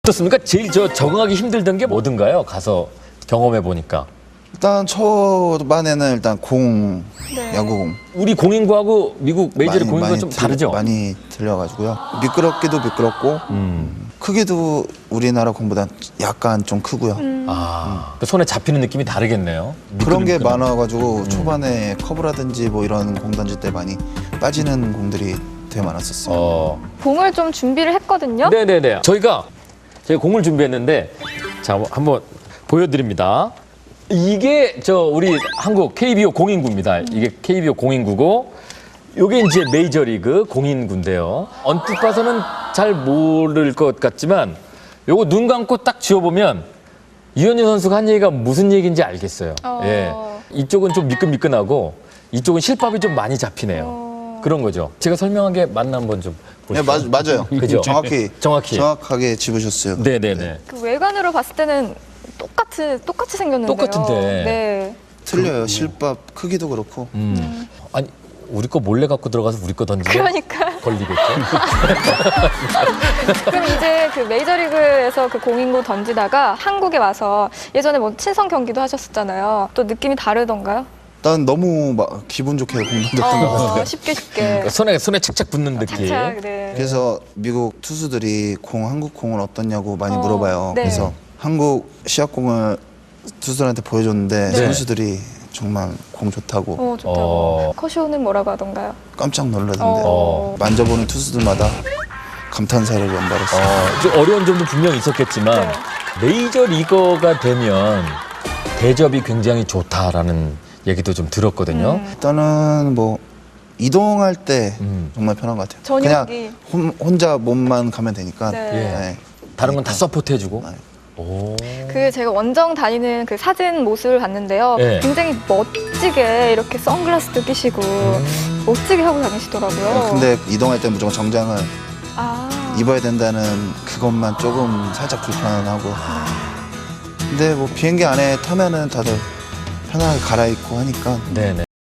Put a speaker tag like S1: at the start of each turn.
S1: 어떻습니까? 제일 적응하기 힘들던 게 뭐든가요? 가서 경험해 보니까.
S2: 일단 초반에는 일단 공,
S3: 네.
S2: 야구공
S1: 우리 공인구하고 미국 메이저리 공인구가 좀 다르죠?
S2: 많이 들려가지고요. 미끄럽기도 미끄럽고 크기도 우리나라 공보다 약간 좀 크고요.
S1: 아, 그 손에 잡히는 느낌이 다르겠네요.
S2: 그런 게
S1: 미끌미끌한.
S2: 많아가지고 초반에 커브라든지 뭐 이런 공 던질 때 많이 빠지는 공들이 되게 많았었어요.
S3: 공을 좀 준비를 했거든요.
S1: 네네네. 저희가 공을 준비했는데 자 한번 보여드립니다. 이게 우리 한국 KBO 공인구입니다. 이게 KBO 공인구고 요게 이제 메이저리그 공인구인데요. 언뜻 봐서는 잘 모를 것 같지만 요거 눈 감고 딱 쥐어보면 이현주 선수가 한 얘기가 무슨 얘기인지 알겠어요. 예. 이쪽은 좀 미끈미끈하고 이쪽은 실밥이 좀 많이 잡히네요. 그런 거죠. 제가 설명한 게 맞나 한번 좀
S2: 네,
S1: 보시죠.
S2: 맞아요.
S1: 그죠?
S2: 정확하게 짚으셨어요.
S1: 네네네.
S3: 그 외관으로 봤을 때는 똑같이 생겼는데요.
S1: 똑같은데.
S3: 네.
S2: 틀려요. 실밥 크기도 그렇고.
S1: 아니 우리 거 몰래 갖고 들어가서 우리 거 던지면
S3: 그러니까.
S1: 걸리겠죠?
S3: 그럼 이제 그 메이저리그에서 그 공인구 던지다가 한국에 와서 예전에 뭐 친선 경기도 하셨었잖아요. 또 느낌이 다르던가요?
S2: 일단 너무 막 기분 좋게 공 던졌던 것 같아요.
S3: 쉽게.
S1: 손에 착착 붙는 느낌.
S3: 착착, 네.
S2: 그래서 미국 투수들이 한국 공은 어떻냐고 많이 물어봐요.
S3: 네.
S2: 그래서 한국 시합공을 투수들한테 보여줬는데
S3: 네.
S2: 선수들이 정말 공 좋다고
S3: 좋다고. 커쇼는 뭐라고 하던가요?
S2: 깜짝 놀라던데 만져보는 투수들마다 감탄사를 연발했어요.
S1: 좀 어려운 점도 분명히 있었겠지만
S3: 네.
S1: 메이저 리거가 되면 대접이 굉장히 좋다라는 얘기도 좀 들었거든요.
S2: 일단은 뭐 이동할 때 정말 편한 것 같아요.
S3: 저녁이.
S2: 그냥 혼자 몸만 가면 되니까.
S3: 네.
S2: 네.
S1: 다른 건 다 서포트해주고.
S2: 네.
S1: 오.
S3: 그 제가 원정 다니는 그 사진 모습을 봤는데요.
S1: 네.
S3: 굉장히 멋지게 이렇게 선글라스도 끼시고 멋지게 하고 다니시더라고요.
S2: 근데 이동할 때 무조건 정장을
S3: 아.
S2: 입어야 된다는 그것만 조금 살짝 불편하고. 근데 뭐 비행기 안에 타면은 다들 편하게 갈아입고 하니까
S1: 네네.